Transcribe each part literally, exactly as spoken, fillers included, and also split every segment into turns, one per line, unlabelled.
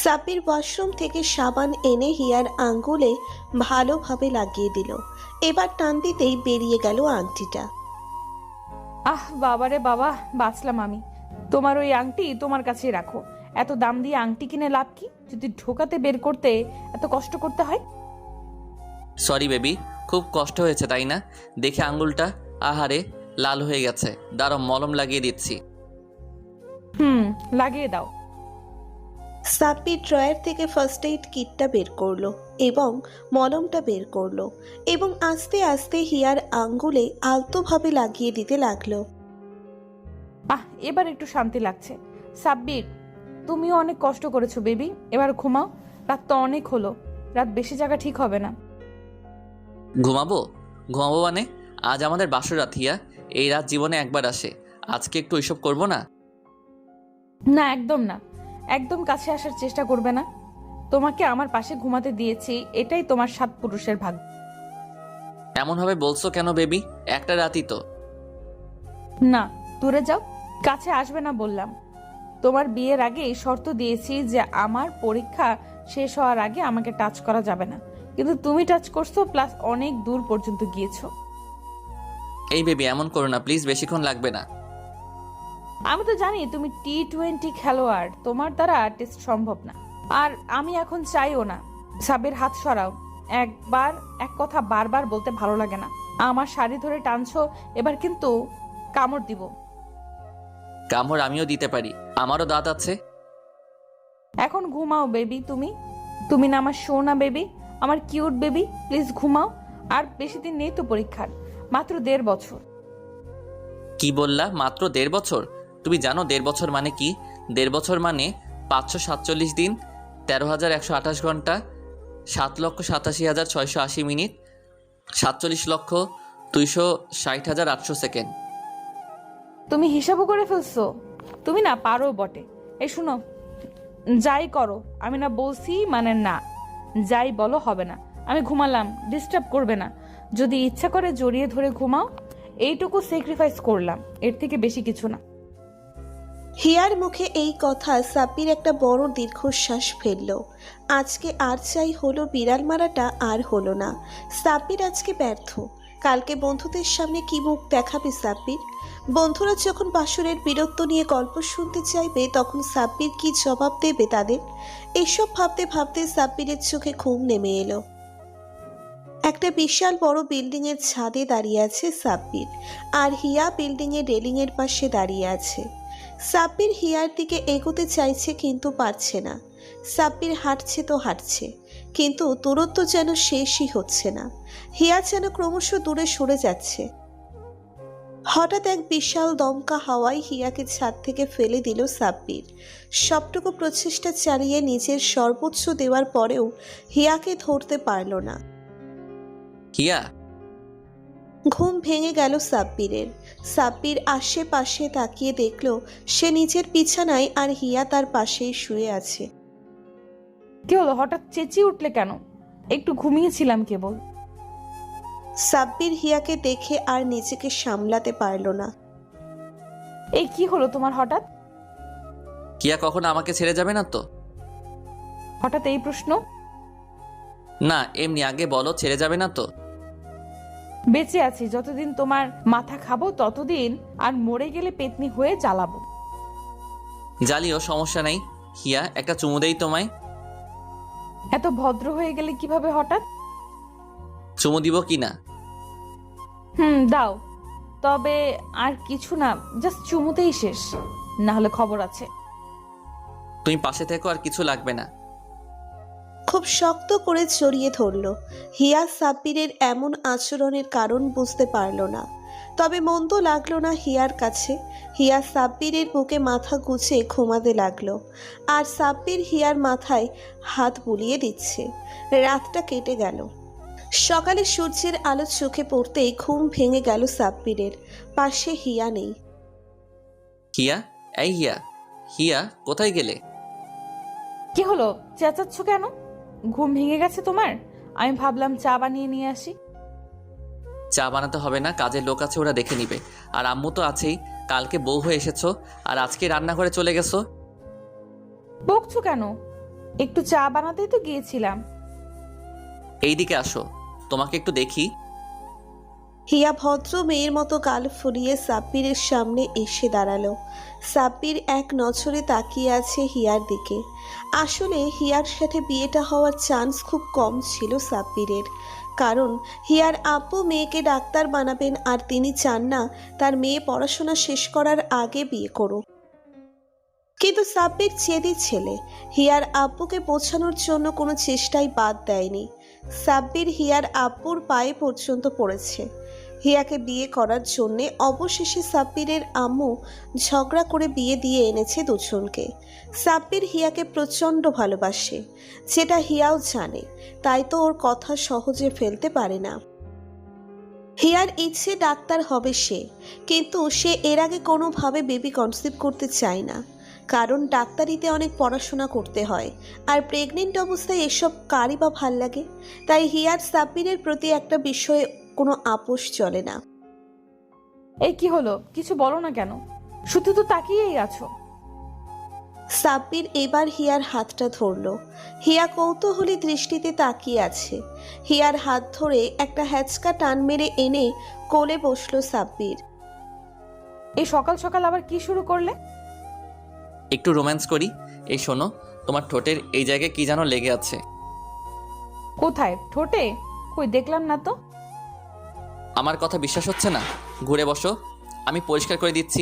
Sabbir washroom থেকে সাবান এনে হিয়ার আঙ্গুলে ভালোভাবে লাগিয়ে দিল। এবার টান দিতেই বেরিয়ে গেল আংটিটা।
আহ বাবারে বাবা, বাঁচলাম আমি। তোমার ওই আংটি তোমার কাছেই রাখো। এত দাম দিয়ে আংটি কিনে লাভ কি, যদি ঢোকাতে বের করতে এত কষ্ট করতে হয়।
সরি বেবি, খুব কষ্ট হয়েছে তাই না? দেখে আঙ্গুলটা আহারে লাল হয়ে গেছে। দাঁড়াও, মলম লাগিয়ে দিচ্ছি।
হুম, লাগিয়ে দাও।
সাব্বির ড্রয়ার থেকে ফার্স্ট এইড কিটটা বের করলো এবং মলমটা বের করলো এবং আস্তে আস্তে হিয়ার আঙ্গুলে আলতোভাবে লাগিয়ে দিতে লাগলো।
আহ, এবার একটু শান্তি লাগছে। সাব্বির, তুমিও অনেক কষ্ট করেছো বেবি, এবার ঘুমাও। রাত তো অনেক হলো, রাত বেশি জায়গা ঠিক হবে না।
ঘুমাবো? ঘুমাবো মানে? আজ আমাদের বাসর রাত হিয়া। এই রাত জীবনে একবার আসে, আজকে একটু ওইসব করবো না?
না, একদম না। একদম কাছে আসার চেষ্টা করবে না। তোমাকে আমার পাশে ঘুমাতে দিয়েছি, এটাই তোমার সাত পুরুষের ভাগ্য।
এমনভাবে বলছো কেন বেবি? একটা রাতই তো।
না, দূরে যাও, কাছে আসবে না বললাম। তোমার বিয়ের আগে শর্ত দিয়েছি যে আমার পরীক্ষা শেষ হওয়ার আগে আমাকে টাচ করা যাবে না, কিন্তু তুমি টাচ করছো, প্লাস অনেক দূর পর্যন্ত গিয়েছো।
এই বেবি এমন করো না প্লিজ, বেশিক্ষণ লাগবে না।
আমি তো জানি তুমি টি টোয়েন্টি খেলোয়াড়, তোমার দ্বারা টেস্ট সম্ভব না। আর আমি এখন চাইও না। সাবির, হাত সরাও। একবার এক কথা বারবার বলতে ভালো লাগে না। আমার শাড়ি ধরে টানছো, এবার কিন্তু কামড় দিব।
কামড় আমিও দিতে পারি, আমারও দাঁত আছে।
এখন ঘুমাও বেবি। তুমি তুমি না আমার সোনা বেবি, আমার কিউট বেবি, প্লিজ ঘুমাও। আর বেশি দিন নেই তো পরীক্ষার, মাত্র দেড় বছর।
কি বললা? মাত্র দেড় বছর? তুমি জানো দেড় বছর মানে কি? দেড় বছর মানে পাঁচশো সাতচল্লিশ দিন, তেরো হাজার একশো আঠাশ ঘন্টা, সাত লক্ষ সাতাশি হাজার ছয়শো আশি মিনিট, সাতচল্লিশ লক্ষ দুইশো ষাট হাজার আটশো সেকেন্ড।
তুমি হিসাবও করে ফেলছো? তুমি না পারো বটে। এই শুনো, যাই করো, আমি না বলছি মানে না। যাই বলো হবে না। আমি ঘুমালাম, ডিস্টার্ব করবে না। যদি ইচ্ছা করে জড়িয়ে ধরে ঘুমাও। এইটুকু স্যাক্রিফাইস করলাম, এর থেকে বেশি কিছু না।
হিয়ার মুখে এই কথা সাব্বির একটা বড় দীর্ঘশ্বাস ফেলল। আজকে আর চাই হলো বিড়াল মারাটা আর হলো না। সাব্বির আজকে ব্যর্থ। কালকে বন্ধুদের সামনে কি মুখ দেখাবে সাব্বির? বন্ধুরা যখন বাসরের বীরত্ব নিয়ে গল্প শুনতে চাইবে তখন সাব্বির কি জবাব দেবে তাদের? এসব ভাবতে ভাবতে সাব্বিরের চোখে ঘুম নেমে এলো। একটা বিশাল বড় বিল্ডিং এর ছাদে দাঁড়িয়ে আছে সাব্বির, আর হিয়া বিল্ডিং এর রেলিং এর পাশে দাঁড়িয়ে আছে। সাব্বির হিয়ার দিকে এগোতে চাইছে কিন্তু পারছে না। সাব্বির হাঁটছে তো হাঁটছে, কিন্তু দূরত্ব যেন শেষই হচ্ছে না। হিয়া যেন ক্রমশ দূরে সরে যাচ্ছে। হঠাৎ এক বিশাল দমকা হাওয়ায় হিয়াকে ছাদ থেকে ফেলে দিল সাব্বির। সবটুকু প্রচেষ্টা চালিয়ে নিজের সর্বোচ্চ দেওয়ার পরেও হিয়াকে ধরতে পারল না।
হিয়া!
ঘুম ভেঙে গেল সাব্বিরের। সাব্বির আশেপাশে তাকিয়ে দেখল সে নিজের বিছানায় আর হিয়া তার পাশেই শুয়ে আছে।
কি হলো, হঠাৎ চেঁচিয়ে উঠলে কেন? একটু ঘুমিয়েছিলাম কেবল।
সাব্বির হিয়াকে দেখে আর নিজেকে সামলাতে পারল না।
এই কি হলো তোমার হঠাৎ?
হিয়া কখনো আমাকে ছেড়ে যাবে না তো?
হঠাৎ এই প্রশ্ন?
না এমনি, আগে বলো ছেড়ে যাবে না তো?
বেঁচে আছি যতদিন তোমার মাথা খাবো ততদিন, আর মরে গেলে পেতনি হয়ে জ্বালাবো।
জ্বালিও, সমস্যা নাই। হিয়া, একটা চুমু দেই তোমায়।
এত ভদ্র হয়ে গেলে কিভাবে হঠাৎ?
চুমু দিব কি না?
হুম, দাও। তবে আর কিছু না, জাস্ট চুমুতেই শেষ, না হলে খবর আছে।
তুমি পাশে থেকো, আর কিছু লাগবে না।
খুব শক্ত করে জড়িয়ে ধরল। হিয়া সাব্বিরের এমন আচরণের কারণ বুঝতে পারল না, তবে মন্দ লাগলো না হিয়ার কাছে। হিয়া সাব্বিরের বুকে মাথা গুছে ঘুমাতে লাগলো, আর সাব্বির হিয়ার মাথায় হাত বুলিয়ে দিচ্ছে। রাতটা কেটে গেল। সকালে সূর্যের আলো চোখে পড়তেই ঘুম ভেঙে গেল সাব্বিরের। পাশে হিয়া নেই।
হিয়া, এই হিয়া, হিয়া কোথায় গেলে?
কি হলো, চেঁচাচ্ছ কেন? ঘুম ভেঙে গেছে তোমার? আমি ভাবলাম চা বানিয়ে নিয়ে আসি।
চা বানাতে হবে না, কাজের লোক আছে, ওরা দেখে নিবে। আর আম্মু তো আছেই, কালকে বউ হয়ে এসেছো আর আজকে রান্না করে চলে গেছো।
বকছো কেন? একটু চা বানাতেই তো গিয়েছিলাম।
এইদিকে আসো, তোমাকে একটু দেখি।
হিয়া ভদ্র মেয়ের মতো গাল ফুলিয়ে সাব্বিরের সামনে এসে দাঁড়ালো। সাব্বির এক নজরে তাকিয়ে আছে হিয়ার দিকে। আসলে হিয়ার সাথে বিয়েটা হওয়ার চান্স খুব কম ছিল সাব্বিরের, কারণ হিয়ার আব্বু মেয়েকে ডাক্তার বানাবেন আর তিনি চান না তার মেয়ে পড়াশোনা শেষ করার আগে বিয়ে করুক। কিন্তু সাব্বির জেদি ছেলে, হিয়ার আব্বুকে বোঝানোর জন্য কোনো চেষ্টাই বাদ দেয়নি। সাব্বির হিয়ার আব্বুর পায়ে পর্যন্ত পড়েছে হিয়াকে বিয়ে করার জন্যে। অবশেষে সাব্বিরের আম্মু ঝগড়া করে বিয়ে দিয়ে এনেছে দুজনকে। সাব্বির হিয়াকে প্রচণ্ড ভালোবাসে, যেটা হিয়াও জানে, তাই তো ওর কথা সহজে ফেলতে পারে না। হিয়ার ইচ্ছে ডাক্তার হবে সে, কিন্তু সে এর আগে কোনোভাবে বেবি কনসিভ করতে চায় না, কারণ ডাক্তারিতে অনেক পড়াশোনা করতে হয়, আর প্রেগনেন্ট অবস্থায় এসব কারই বা ভাল লাগে। তাই হিয়ার সাব্বিরের প্রতি একটা বিষয়ে কোনো আপোষ চলে না।
এই কি হলো, কিছু বলো না কেন? শুধু তো তাকিয়েই আছো।
সাব্বির এবার হিয়ার হাতটা ধরল। হিয়া কৌতূহলী দৃষ্টিতে তাকিয়ে আছে। হিয়ার হাত ধরে একটা হ্যাচকা টান মেরে এনে কোলে বসলো সাব্বির।
এই সকাল সকাল আবার কি শুরু করলে?
একটু রোম্যান্স করি। এই শোনো, তোমার ঠোঁটের এই জায়গায় কি যেন লেগে আছে।
কোথায়? ঠোঁটে? কই দেখলাম না তো।
আমার কথা বিশ্বাস হচ্ছে না? ঘুরে বসো, আমি পরিষ্কার করে দিচ্ছি।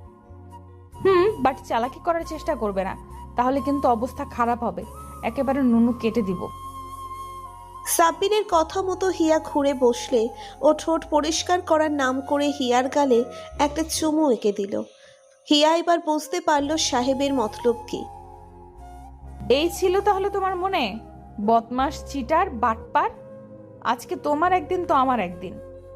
হুম, বাট চালাকি করার চেষ্টা করবে না, তাহলে কিন্তু অবস্থা খারাপ হবে। একেবারে নুনু কেটে দিব।
সাব্বিরের কথা মতো হিয়া ঘুরে বসলে ও ঠোঁট পরিষ্কার করার নাম করে হিয়ার গালে একটা চুমু এঁকে দিল। হিয়া এবার বুঝতে পারল সাহেবের মতলব কি।
এই ছিল তাহলে তোমার মনে? বদমাস, চিটার, বাটপার। আজকে তোমার একদিন তো আমার একদিন।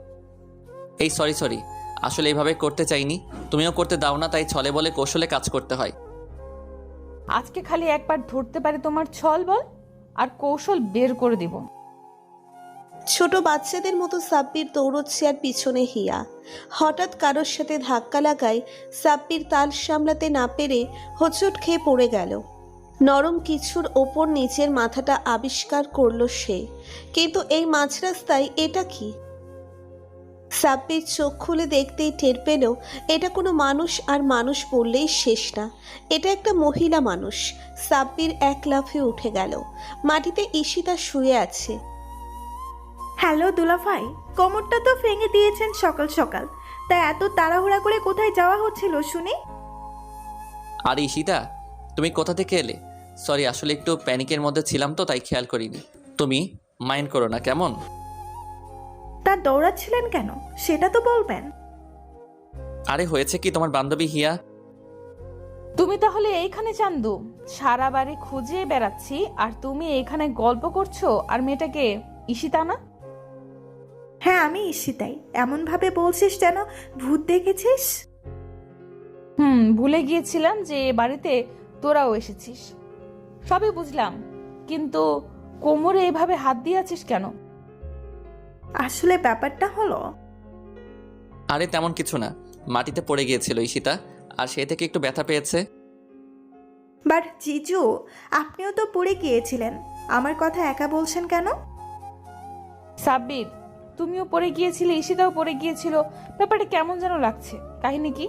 এই সরি সরি, আসলে এইভাবে করতে চাইনি, তুমিও করতে দাও না, তাই ছলে বলে কৌশলে কাজ করতে হয়।
আজকে খালি একবার ধরতে পারি তোমার ছল বল, আর কৌশল বের করে দিব।
ছোট বাচ্চাদের মতো সাব্বির দৌড়চ্ছে আর পিছনে হিয়া। হঠাৎ কারোর সাথে ধাক্কা লাগায় সাব্বির তাল সামলাতে না পেরে হোঁচট খেয়ে পড়ে গেল। নরম কিছুর ওপর নিচের মাথাটা আবিষ্কার করলো সে, কিন্তু এই মাঝ রাস্তায় এটা কি? সাব্বির চোখ খুলে দেখতেই টের পেল এটা কোনো মানুষ, আর মানুষ বললেই শেষ না, এটা একটা মহিলা মানুষ। সাব্বির এক লাফে উঠে গেল। মাটিতে ঈশিতা শুয়ে আছে।
হ্যালো দুলাভাই, কোমরটা তো ভেঙে দিয়েছেন সকাল সকাল, তা এত তাড়াহুড়া করে কোথায় যাওয়া হচ্ছিল শুনি?
আর ঈশিতা, তুমি কোথা থেকে এলে? সরি, আসলে একটু প্যানিকের মধ্যে ছিলাম তো, তাই খেয়াল করিনি। তুমি মাইন্ড করো না কেমন?
তা দৌড়াচ্ছিলেন কেন সেটা তো বলবেন।
আরে হয়েছে কি, তোমার বান্ধবী হিয়া।
তুমি তাহলে এইখানে চান্দু? সারা বাড়ি খুঁজে বেড়াচ্ছি আর তুমি এইখানে গল্প করছো। আর মেয়েটাকে ঈশিতা না?
হ্যাঁ আমি ঈশিতাই। এমন ভাবে বলছিস যেন ভূত দেখেছিস।
হুম, ভুলে গিয়েছিলাম যে এ বাড়িতে তোরাও এসেছিস। সবই বুঝলাম, কিন্তু কোমরে এভাবে হাত দিয়ে আছিস কেন?
আসলে ব্যাপারটা হলো,
আরে তেমন কিছু না, মাটিতে পড়ে গিয়েছিল ঈশিতা, আর সে থেকে একটু ব্যথা পেয়েছে।
বাট জিজু, আপনিও তো পড়ে গিয়েছিলেন, আমার কথা একা বলছেন কেন?
সাব্বির, তুমিও পড়ে গিয়েছিলে, ঈশিতাও পড়ে গিয়েছিল, ব্যাপারটা কেমন যেন লাগছে। কাহিনী কি?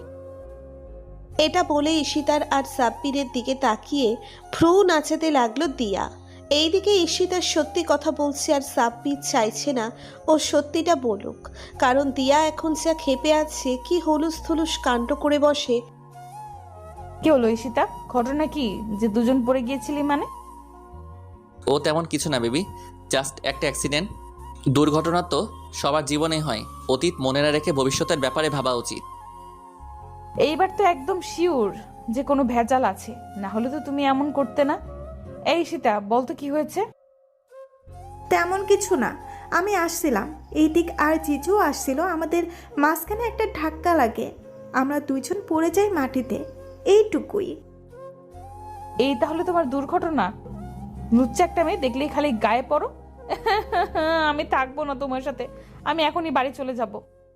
এটা বলে ঈশিতার আর সাব্বিরের দিকে তাকিয়ে ভ্রু নাচাতে লাগলো দিয়া। এইদিকে ঈশিতার সত্যি কথা বলছে আর সাব্বির চাইছে না ও সত্যিটা বলুক, কারণ দিয়া এখন যা ক্ষেপে আছে, কি হলুস থুলুস কাণ্ড করে বসে।
কি হলো ঈশিতা? ঘটনা কি যে দুজন পড়ে গিয়েছিলি মানে?
ও তেমন কিছু না বেবি, জাস্ট একটা অ্যাক্সিডেন্ট। দুর্ঘটনা তো সবার জীবনেই হয়, অতীত মনে না রেখে ভবিষ্যতের ব্যাপারে ভাবা উচিত।
এইবার তো একদম শিওর যে কোনো ভেজাল আছে, না হলে তো তুমি এমন করতে না। এই ঈশিতা, বলতো কি হয়েছে?
তেমন কিছু না, আমি আসছিলাম এই দিক আর জিজু আসছিল, আমাদের মাঝখানে একটা ধাক্কা লাগে, আমরা দুইজন পড়ে যাই মাটিতে, এইটুকুই।
এই তাহলে তোমার দুর্ঘটনা? লুচ্চা একটা মেয়ে দেখলেই খালি গায়ে পড়ো। আমি থাকবো না তোমার সাথে, আমি এখনই বাড়ি চলে যাব।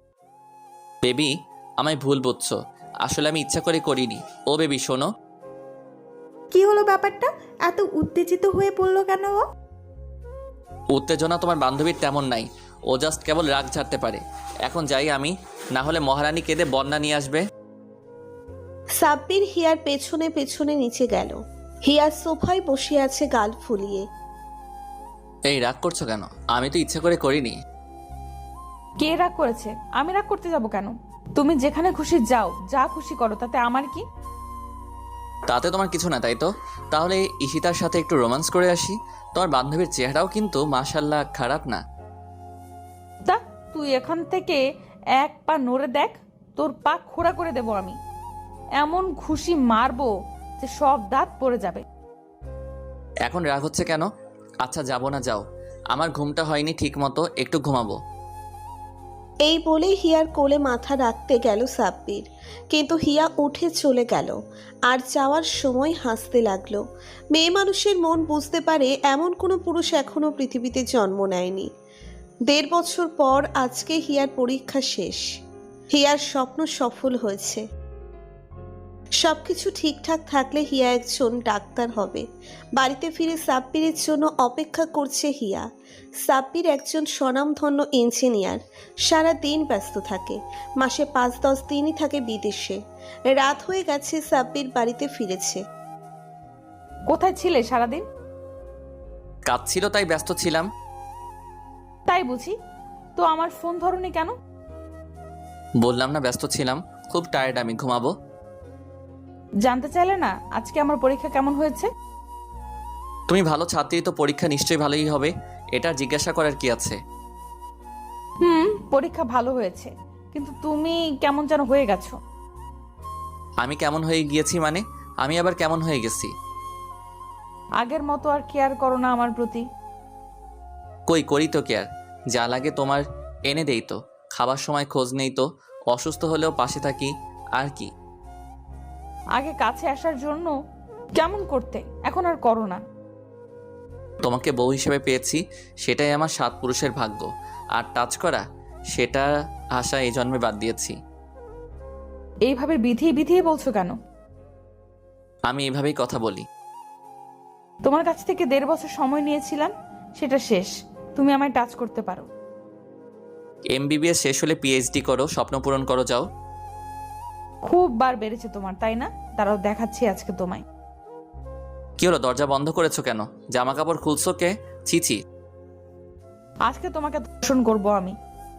বেবি, আমায় ভুল বুঝছো, আসলে আমি ইচ্ছা করে করিনি। ও বেবি শোনো।
কি হলো ব্যাপারটা? এত উত্তেজিত হয়ে পড়লো কেন ও?
উত্তেজনা তোমার বান্ধবীর তেমন নাই, ও জাস্ট কেবল রাগ ঝাড়তে পারে। এখন যাই আমি, না হলে মহারানী কেঁদে বন্যা নিয়ে আসবে।
সাব্বির হিয়ার পেছনে পেছনে নিচে গেল। হিয়া সোফায় বসে আছে গাল ফুলিয়ে।
এই রাগ করছো কেন? আমি তো ইচ্ছে করে করিনি।
কে রাগ করেছে? আমি রাগ করতে যাব কেন? তুমি যেখানে খুশি যাও, যা খুশি করো, তাতে আমার কি?
তাতে তোমার কিছু না তাই তো? তাহলে ঈশিতার সাথে একটু রোমান্স করে আসি। তোমার বান্ধবীর চেহারাও কিন্তু মাশাল্লাহ খারাপ না।
তা তুই এখান থেকে এক পা নড়ে দেখ, তোর পা খোড়া করে দেব আমি। এমন খুশি মারবো যে সব দাঁত পড়ে যাবে।
এখন রাগ হচ্ছে কেন? আচ্ছা যাবো না, যাও। আমার ঘুমটা হয়নি ঠিক মতো, একটু ঘুমাবো।
এই বলেই হিয়ার কোলে মাথা রাখতে গেল সাব্বির, কিন্তু হিয়া উঠে চলে গেল আর যাওয়ার সময় হাসতে লাগলো। মেয়ে মানুষের মন বুঝতে পারে এমন কোনো পুরুষ এখনো পৃথিবীতে জন্ম নেয়নি। দেড় বছর পর আজকে হিয়ার পরীক্ষা শেষ। হিয়ার স্বপ্ন সফল হয়েছে। সবকিছু ঠিকঠাক থাকলে হিয়া একজন ডাক্তার হবে। বাড়িতে ফিরে সাব্বিরের জন্য অপেক্ষা করছে হিয়া। সাব্বির একজন স্বনামধন্য ইঞ্জিনিয়ার, সারা দিন ব্যস্ত থাকে। মাসে পাঁচ দশ দিনই থাকে বিদেশে। রাত হয়ে গেছে, সাব্বির বাড়িতে ফিরেছে।
কোথায় ছিলে সারাদিন?
কাজ ছিল তাই ব্যস্ত ছিলাম।
তাই বুঝি? তো আমার ফোন ধরনি কেন?
বললাম না ব্যস্ত ছিলাম, খুব টায়ার্ড, আমি ঘুমাবো।
জানতে চাইলে না আজকে আমার পরীক্ষা কেমন হয়েছে?
তুমি ভালো ছাত্রী তো পরীক্ষা নিশ্চয়ই ভালোই হবে, এটা জিজ্ঞাসা করার কি আছে?
হুম, পরীক্ষা ভালো হয়েছে, কিন্তু তুমি কেমন যেন হয়ে গেছো।
আমি কেমন হয়ে গিয়েছি মানে? আমি আবার কেমন হয়ে গেছি?
আগের মতো আর কেয়ার করো না আমার প্রতি।
কই করি তো কেয়ার, যা লাগে তোমার এনে দেই তো। খাবার সময় খোঁজ নেই তো, অসুস্থ হলেও পাশে থাকি, আর কি।
আগে কাছে আসার জন্য কেমন করতে, এখন আর করো না।
তোমাকে বউ হিসেবে পেয়েছি, সেটাই আমার সাত পুরুষের ভাগ্য। আর টাচ করা, সেটা আশা এই জন্মে বাদ দিয়েছি।
এইভাবে বিধিয়ে বিধিয়ে বলছো কেন?
আমি এভাবেই কথা বলি।
তোমার কাছ থেকে দেড় বছর সময় নিয়েছিলাম, সেটা শেষ। তুমি আমায় টাচ করতে পারো।
এমবিবিএস শেষ হলে পিএইচডি করো, স্বপ্ন পূরণ করো, যাও।
খুব বার বেড়েছে তোমার, তাই না? তারাও দেখাচ্ছি আজকে তোমায়।
কি হলো, দরজা বন্ধ করেছো কেন? জামা কাপড় খুলছো কে? ছিছি।
আজকে তোমাকে দর্শন করব আমি।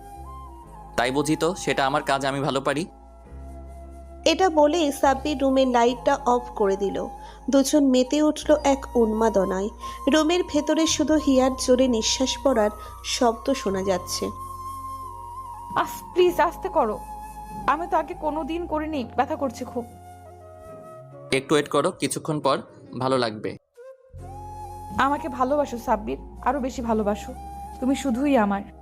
তাই বুঝি তো, সেটা আমার কাজ, আমি ভালো পারি।
এটা বলে সাব্বির রুমের লাইটটা অফ করে দিল। দুজন মেতে উঠল এক উন্মাদনায়। রুমের ভেতরে শুধু হিয়ার জোরে নিঃশ্বাস পড়ার শব্দ শোনা যাচ্ছে।
আস প্লিজ আস্তে করো, আমি তো আগে কোনোদিন করিনি, ব্যথা করছে খুব।
একটু ওয়েট করো, কিছুক্ষণ পর ভালো লাগবে।
আমাকে ভালোবাসো সাব্বির, আরো বেশি ভালোবাসো। তুমি শুধুই আমার।